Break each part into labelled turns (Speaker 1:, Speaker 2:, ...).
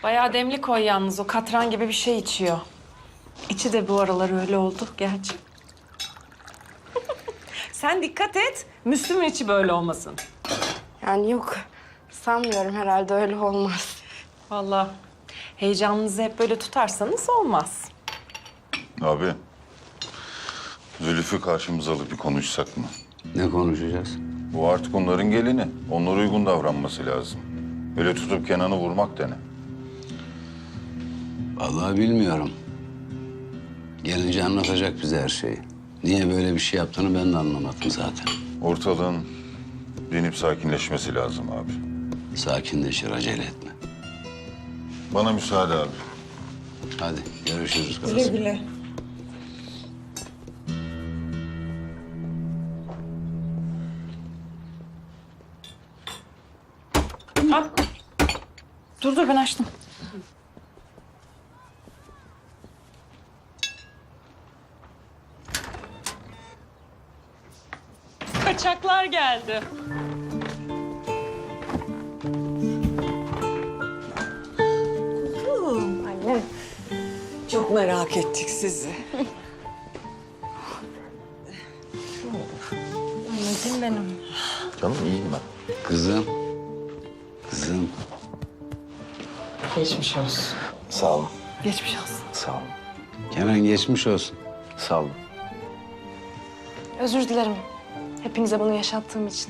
Speaker 1: Bayağı demli koy yalnız. O katran gibi bir şey içiyor. İçi de bu aralar öyle oldu gerçi. Sen dikkat et. Müslüm'ün içi böyle olmasın.
Speaker 2: Yani yok. Sanmıyorum, herhalde öyle olmaz.
Speaker 1: Vallahi heyecanınızı hep böyle tutarsanız olmaz.
Speaker 3: Abi, Zülüf'ü karşımıza alıp bir konuşsak mı?
Speaker 4: Ne konuşacağız?
Speaker 3: Bu artık onların gelini. Onlara uygun davranması lazım. Öyle tutup Kenan'ı vurmak da ne?
Speaker 4: Vallahi bilmiyorum. Gelince anlatacak bize her şeyi. Niye böyle bir şey yaptığını ben de anlamadım zaten.
Speaker 3: Ortalığın dinip sakinleşmesi lazım abi.
Speaker 4: Sakinleşir, acele etme.
Speaker 3: Bana müsaade abi.
Speaker 4: Hadi görüşürüz kızım.
Speaker 1: Güle güle. Al. Dur ben açtım. Kaçaklar geldi.
Speaker 2: Anne.
Speaker 5: Çok merak ettik sizi.
Speaker 2: Anneciğim benim.
Speaker 3: Canım iyiyim ben.
Speaker 4: Kızım. Kızım.
Speaker 5: Geçmiş olsun.
Speaker 6: Sağ olun,
Speaker 1: Geçmiş olsun.
Speaker 6: sağ olun,
Speaker 4: Kenan geçmiş olsun.
Speaker 6: sağ olun.
Speaker 2: Özür dilerim. Hepinize bunu yaşattığım için.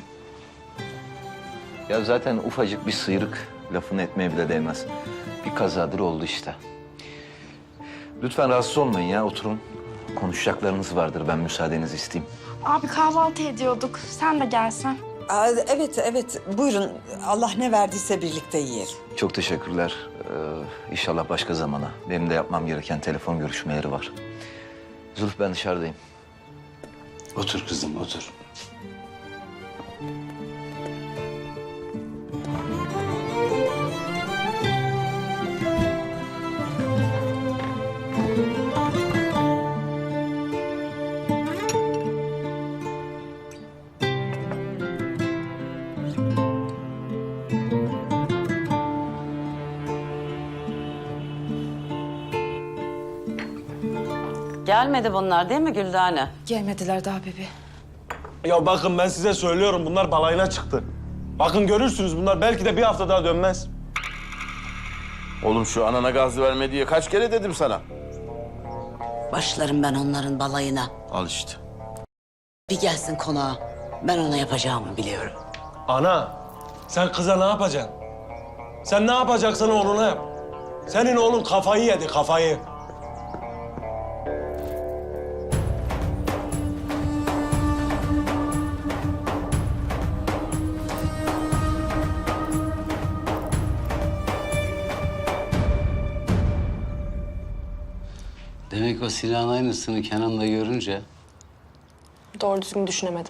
Speaker 6: Ya zaten ufacık bir sıyrık lafını etmeye bile değmez. Bir kazadır oldu işte. Lütfen rahatsız olmayın ya, oturun. Konuşacaklarınız vardır, ben müsaadenizi isteyeyim.
Speaker 2: Abi kahvaltı ediyorduk. Sen de gelsen.
Speaker 5: Evet. Buyurun. Allah ne verdiyse birlikte yiyelim.
Speaker 6: Çok teşekkürler. İnşallah başka zamana. Benim de yapmam gereken telefon görüşmeleri var. Zülf, ben dışarıdayım.
Speaker 4: Otur kızım, otur.
Speaker 7: Gelmedi bunlar değil mi Güldane?
Speaker 2: Gelmediler daha bebe.
Speaker 8: Ya bakın ben size söylüyorum, bunlar balayına çıktı. Bakın görürsünüz, bunlar belki de bir hafta daha dönmez.
Speaker 9: Oğlum şu anana gaz verme diye kaç kere dedim sana.
Speaker 7: Başlarım ben onların balayına.
Speaker 9: Al işte.
Speaker 7: Bir gelsin konağa. Ben ona yapacağımı biliyorum.
Speaker 8: Ana, sen kıza ne yapacaksın? Sen ne yapacaksan oğluna yap. Senin oğlun kafayı yedi, kafayı.
Speaker 4: Demek o silahın aynısını Kenan'la görünce...
Speaker 2: Doğru düzgün düşünemedim.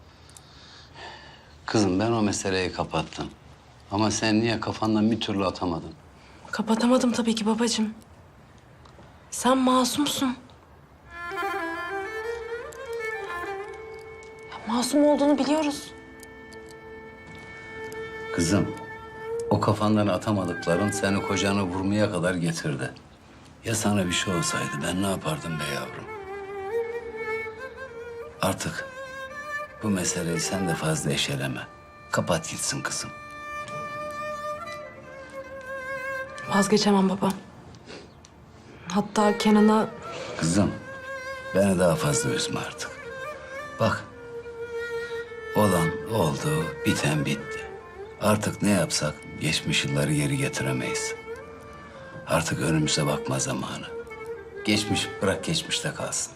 Speaker 4: Kızım ben o meseleyi kapattım. Ama sen niye kafandan bir türlü atamadın?
Speaker 2: Kapatamadım tabii ki babacığım. Sen masumsun. Ya, masum olduğunu biliyoruz.
Speaker 4: Kızım, o kafandan atamadıkların seni kocanı vurmaya kadar getirdi. Ya sana bir şey olsaydı ben ne yapardım be yavrum? Artık bu meseleyi sen de fazla eşeleme. Kapat gitsin kızım.
Speaker 2: Vazgeçemem baba. Hatta Kenan'a
Speaker 4: Kızım, beni daha fazla üzme artık. Bak, olan oldu, biten bitti. Artık ne yapsak geçmiş yılları geri getiremeyiz. Artık önümüze bakma zamanı. Geçmiş bırak geçmişte kalsın.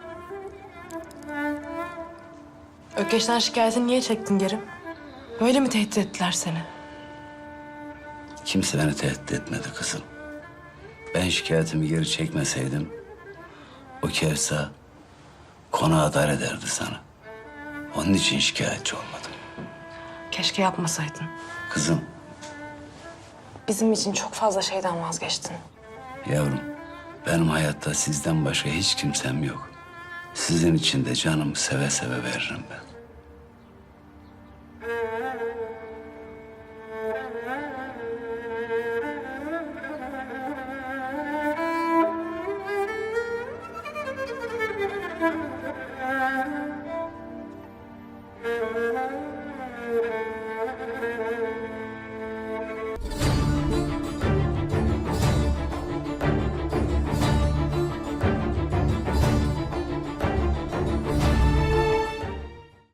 Speaker 2: Ökeş'ten şikayetini niye çektin geri? Böyle mi tehdit ettiler seni?
Speaker 4: Kimse beni tehdit etmedi kızım. Ben şikayetimi geri çekmeseydim... ...o Kevsa konağa dar ederdi sana. Onun için şikayetçi olmadım.
Speaker 2: Keşke yapmasaydın.
Speaker 4: Kızım,
Speaker 2: Bizim için çok fazla şeyden vazgeçtin.
Speaker 4: yavrum benim hayatta sizden başka hiç kimsem yok. Sizin için de canımı seve seve veririm ben.